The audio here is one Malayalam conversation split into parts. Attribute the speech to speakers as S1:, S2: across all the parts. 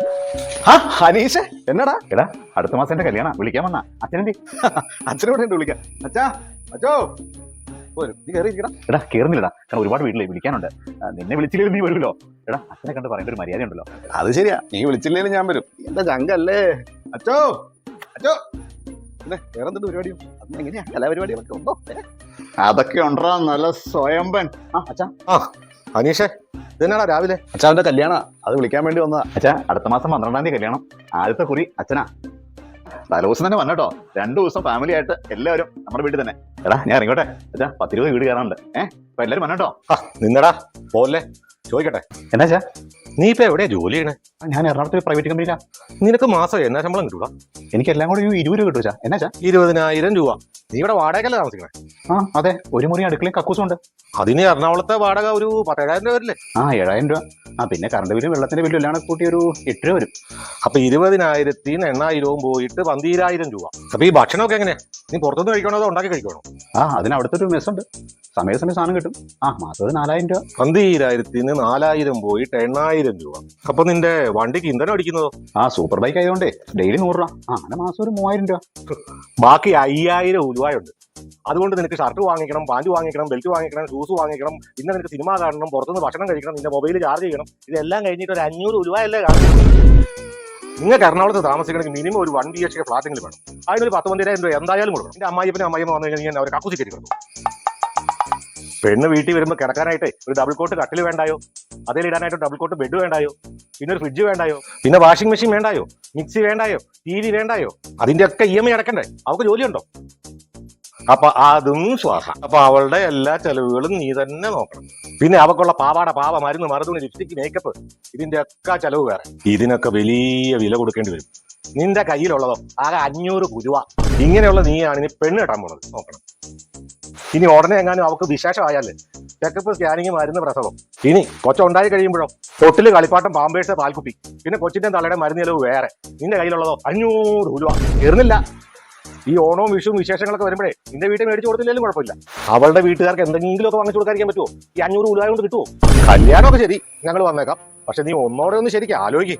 S1: ഹനീഷ് എന്നടാ എടാ അടുത്ത മാസം എന്റെ കല്യാണം വിളിക്കാൻ വന്നാ അച്ഛനെന്തി അച്ഛനോട് ഉണ്ട് വിളിക്കാം അച്ഛാ അച്ഛോ നീ കയറിയിരിക്കടാ എടാ കയറുന്നില്ലടാ കാരണം ഒരുപാട് വീട്ടിലേ വിളിക്കാനുണ്ട് നിന്നെ വിളിച്ചില്ലെങ്കിൽ നീ വരുമല്ലോ എടാ അച്ഛനെ കണ്ട് പറയേണ്ട ഒരു മര്യാദ ഉണ്ടല്ലോ അത് ശരിയാ നീ വിളിച്ചില്ലെങ്കിലും ഞാൻ വരും എന്താ ചങ്കല്ലേ അച്ഛോ അച്ഛോ പിന്നെ വേറെ എന്തുണ്ട് പരിപാടിയും അത് എങ്ങനെയാ കലാപരിപാടികളൊക്കെ ഉണ്ടോ അതൊക്കെ ഉണ്ടോ നല്ല സ്വയംബൻ അച്ഛാ
S2: അനീഷേ ഇതെന്നാടാ രാവിലെ?
S1: അച്ഛാവിന്റെ കല്യാണ അത് വിളിക്കാൻ വേണ്ടി വന്നതാ. അച്ഛാ അടുത്ത മാസം 12-ാം തീയതി കല്യാണം. ആദ്യത്തെ കുറി അച്ഛനാ. തലേദിവസം തന്നെ വന്നോ. 2 ദിവസം ഫാമിലി ആയിട്ട് എല്ലാവരും നമ്മുടെ വീട്ടിൽ തന്നെ. എടാ ഞാൻ ഇറങ്ങോട്ടെ. അച്ഛാ 10-20 വീട് കയറാനുണ്ട്. അപ്പൊ എല്ലാവരും വന്നോ.
S2: നിന്നടാ പോലെ ചോദിക്കട്ടെ.
S1: എന്നാ
S2: നീ ഇപ്പൊ എവിടെയാ ജോലി ചെയ്യണേ?
S1: ഞാൻ എറണാകുളത്ത് പ്രൈവറ്റ് കമ്പനിയിലാ.
S2: നിനക്ക് മാസം എന്നാ ശമ്പളം കിട്ടൂടാ?
S1: എനിക്ക് എല്ലാം കൂടി 20 രൂപ കിട്ടൂച്ചാ. എന്നാ
S2: 20,000 രൂപ. നീ ഇവിടെ വാടകയല്ലേ താമസിക്കണേ?
S1: അതെ, ഒരു മുറി അടുക്കളയും കക്കൂസും ഉണ്ട്.
S2: അതിന് എറണാകുളത്തെ വാടക ഒരു 10,000 രൂപ വരില്ലേ?
S1: 7,000 രൂപ. പിന്നെ കറണ്ട് ബില്ലും വെള്ളത്തിന്റെ ബില്ലും എല്ലാം കൂട്ടി ഒരു 8 രൂപ വരും.
S2: അപ്പൊ 20,000-ന് 8,000 പോയിട്ട് 12,000 രൂപ. അപ്പൊ ഈ ഭക്ഷണമൊക്കെ എങ്ങനെയാ? നീ പുറത്തുനിന്ന് കഴിക്കണോ അതോ ഉണ്ടാക്കി കഴിക്കണോ?
S1: അതിന് അവിടുത്തെ ഒരു മെസ്സുണ്ട്. സമയം സാധനം കിട്ടും. മാസം 4,000 രൂപ.
S2: 12,000-ന് 4,000 പോയിട്ട് 8,000 രൂപ. അപ്പൊ നിന്റെ വണ്ടിക്ക് ഇന്ധനം അടിക്കുന്നതോ?
S1: സൂപ്പർ ബൈക്ക് ആയതുകൊണ്ടേ ഡെയിലി 100 രൂപ. അങ്ങനെ മാസം ഒരു 3,000 രൂപ.
S2: ബാക്കി 5,000 ഉലുവായുണ്ട്. അതുകൊണ്ട് നിനക്ക് ഷർട്ട് വാങ്ങിക്കണം, പാന്റ് വാങ്ങിക്കണം, ബെൽറ്റ് വാങ്ങിക്കണം, ഷൂസ് വാങ്ങിക്കണം, പിന്നെ നിനക്ക് സിനിമ കാണണം, പുറത്തുനിന്ന് ഭക്ഷണം കഴിക്കണം, നിന്റെ മൊബൈൽ ചാർജ് ചെയ്യണം. ഇതെല്ലാം കഴിഞ്ഞിട്ട് ഒരു 500 ഉലുവായല്ലേ കാണുന്നത്. നിങ്ങൾക്ക് എറണാകുളത്ത് താമസിക്കണമെങ്കിൽ മിനിമം ഒരു 1 BHK ഫ്ലാറ്റെങ്കിലും വേണം. അതിനൊരു 12,000 രൂപ എന്തായാലും കൊടുക്കണം. എന്റെ അമ്മായിയമ്മ വന്നു കഴിഞ്ഞാൽ ഞാൻ അവരെ കക്കൂസി കയറ്റി കിടന്നു. പെണ്ണ് വീട്ടിൽ വരുമ്പോൾ കിടക്കാനായിട്ട് ഒരു ഡബിൾ കോട്ട് കട്ടിൽ വേണ്ടായോ? അതിൽ ഇടാനായിട്ട് ഡബിൾ കോട്ട് ബെഡ് വേണ്ടായോ? പിന്നെ ഒരു ഫ്രിഡ്ജ് വേണ്ടായോ? പിന്നെ വാഷിംഗ് മെഷീൻ വേണ്ടായോ? മിക്സി വേണ്ടായോ? TV വേണ്ടായോ? അതിന്റെ ഒക്കെ EMI അടക്കണ്ടേ? അവൾക്ക് ജോലിയുണ്ടോ? അപ്പൊ അതും ശ്വാസം. അപ്പൊ അവളുടെ എല്ലാ ചെലവുകളും നീ തന്നെ നോക്കണം. പിന്നെ അവക്കുള്ള പാവാട, മരുന്ന്, മറുതുണി, ലിപ്സ്റ്റിക്, മേക്കപ്പ്, ഇതിന്റെ ഒക്കെ ചെലവ് വേറെ. ഇതിനൊക്കെ വലിയ വില കൊടുക്കേണ്ടി വരും. നിന്റെ കയ്യിലുള്ളതോ ആകെ 500 രൂപ. ഇങ്ങനെയുള്ള നീയാണ് ഇനി പെണ്ണ് കെട്ടാൻ പോണത്. നോക്കണം. ഇനി ഉടനെ എങ്ങാനും അവക്ക് വിശേഷമായാലേ ചെക്കപ്പ്, സ്കാനിങ്, മരുന്ന്, പ്രസവം. ഇനി കൊച്ചുണ്ടായി കഴിയുമ്പോഴോ തൊട്ടില്, കളിപ്പാട്ടം, പാമ്പേഴ്സ്, പാൽക്കുപ്പി, പിന്നെ കൊച്ചിന്റെ തലയുടെ മരുന്ന് ചെലവ് വേറെ. നിന്റെ കയ്യിലുള്ളതോ 500 രൂപ. തീർന്നില്ല. ഈ ഓണവും വിഷുവും വിശേഷങ്ങളൊക്കെ വരുമ്പോഴേ നിന്റെ വീട്ടിൽ മേടിച്ചു കൊടുത്തില്ലെങ്കിലും കുഴപ്പമില്ല. അവളുടെ വീട്ടുകാർക്ക് എന്തെങ്കിലും ഒക്കെ വാങ്ങിച്ചു കൊടുക്കാതിരിക്കാൻ പറ്റുമോ? ഈ 500 രൂപ കൊണ്ട് കിട്ടുമോ? കല്യാണമൊക്കെ ശരി, ഞങ്ങൾ വന്നേക്കാം. പക്ഷെ നീ ഒന്നോടെ ഒന്ന് ശരിക്കും ആലോചിക്കും.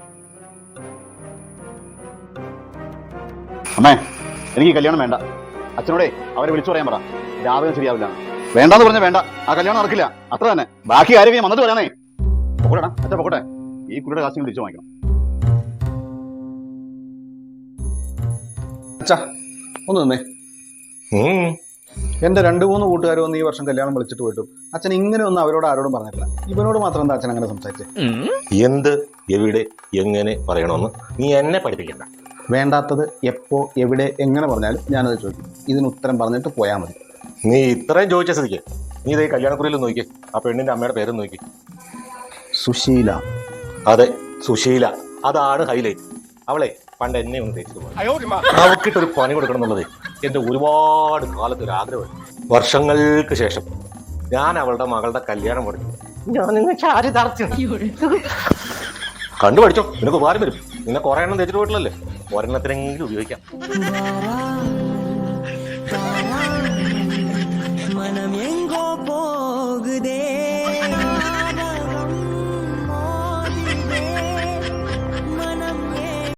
S1: അമ്മേ, എനിക്ക് കല്യാണം വേണ്ട. അച്ഛനോടെ അവരെ വിളിച്ചു പറയാൻ പറ. രാവിലെ ശരിയാവില്ല. വേണ്ടാന്ന് പറഞ്ഞാൽ വേണ്ട. ആ കല്യാണം നടക്കില്ല. അത്ര തന്നെ. ബാക്കി ആരെങ്കിലും വന്നിട്ട് പറയാനേ. പൊക്കോട്ടെ അച്ഛാ, പൊക്കോട്ടെ. ഈ കുട്ടിയുടെ കാശിന് തിരിച്ചു വാങ്ങിക്കണം. അച്ഛാ ഒന്ന് നിന്നേ. എന്റെ 2-3 കൂട്ടുകാർ വന്ന് ഈ വർഷം കല്യാണം വിളിച്ചിട്ട് പോയിട്ടു. അച്ഛൻ ഇങ്ങനെ ഒന്നും അവരോട് ആരോടും പറഞ്ഞിട്ടില്ല. ഇവനോട് മാത്രം എന്താ അച്ഛൻ അങ്ങനെ സംസാരിച്ചേ?
S2: എന്ത്, എവിടെ, എങ്ങനെ പറയണമെന്ന് നീ എന്നെ പഠിപ്പിക്കണ്ട.
S1: വേണ്ടാത്തത് എപ്പോ, എവിടെ, എങ്ങനെ പറഞ്ഞാലും ഞാനത് ചോദിക്കും. ഇതിന് ഉത്തരം പറഞ്ഞിട്ട് പോയാൽ മതി.
S2: നീ ഇത്രയും ചോദിച്ച സ്ഥിതിക്ക് നീ ഇതേ കല്യാണക്കുറിയിലും നോക്കി. ആ പെണ്ണിന്റെ അമ്മയുടെ പേരും നോക്കി.
S1: സുശീല.
S2: അതെ, സുശീല. അതാണ് ഹൈലൈറ്റ്. അവളെ പണ്ട് എന്നെ ഒന്ന് തേച്ചിട്ട് പോയി. അവക്കിട്ടൊരു പണി കൊടുക്കണം എന്നുള്ളത് എന്റെ ഒരുപാട് കാലത്ത് ഒരു ആഗ്രഹമാണ്. വർഷങ്ങൾക്ക് ശേഷം ഞാൻ അവളുടെ മകളുടെ കല്യാണം പഠിച്ചു. കണ്ടു പഠിച്ചോ, നിനക്ക് ഉപകാരം വരും. നിന്നെ കുറെ എണ്ണം തേച്ചിട്ട് പോയിട്ടില്ലല്ലേ, ഒരെണ്ണത്തിനെങ്കിലും ഉപയോഗിക്കാം.
S3: மனம் எங்கோ போகுதே